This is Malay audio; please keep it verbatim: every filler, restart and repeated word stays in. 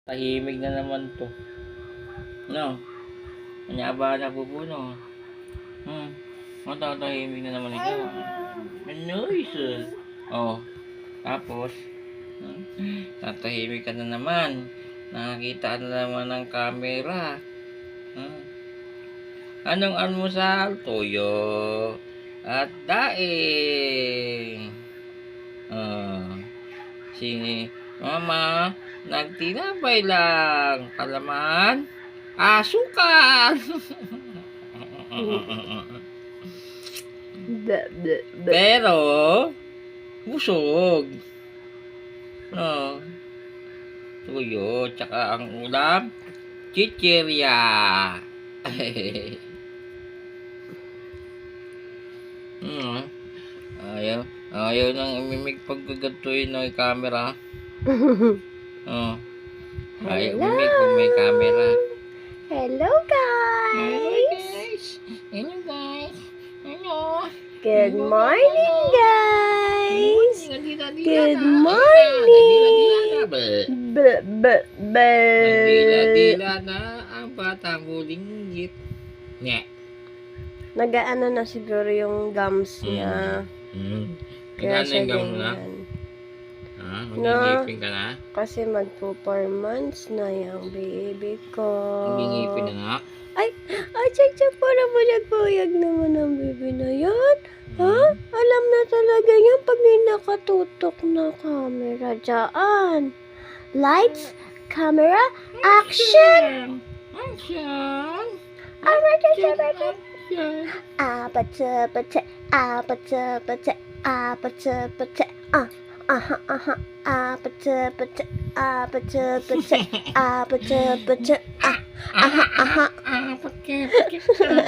Tahimik na naman 'to. 'No? Anya ba napupuno? Hmm, matatahimik na naman ikaw, ah. Ano noise? Oh, tapos? Hmm, tatahimik ka na naman. Nakakita na naman ng camera. Hmm. Anong almusal? Tuyo at daing. Oh, si mama nagtinapay lang, kalaman, asukal. Bleh, bleh, bleh. Pero busog. No. Tuyo tsaka ang ulam, chichirya. Hmm, ayaw ayaw ng imimik pag gagantuhin ng camera. Oh, ayaw Hello. umimik kung may camera. Hello, Hello guys. guys. Hello guys. Hello. Good Hello, morning, hello. guys. Nagdila-dila Good na. morning. Nagdila-dila na. Bleh. Bleh, bleh, bleh. Nagdila-dila na ang batang bulinggit. Nye. Nag-aano na siguro yung gums niya. Hmm. Kaya Magkano siya yung gums na? ganyan. Ha? No. Magingipin ka na? Kasi magpo four months na yung baby ko. Magingipin na nga? Ay, ay, check, check, para mo nagpuyag naman ang baby na yan. Ha? Alam na talaga yan pag may nakatutok na camera dyan. Lights, camera, action! Action! Action! Action! Apache-pache, apache-pache, apache-pache, ah, aha, aha, apache-pache, apache-pache, apache-pache, ah, aha, aha. Ah, pakai, pakai.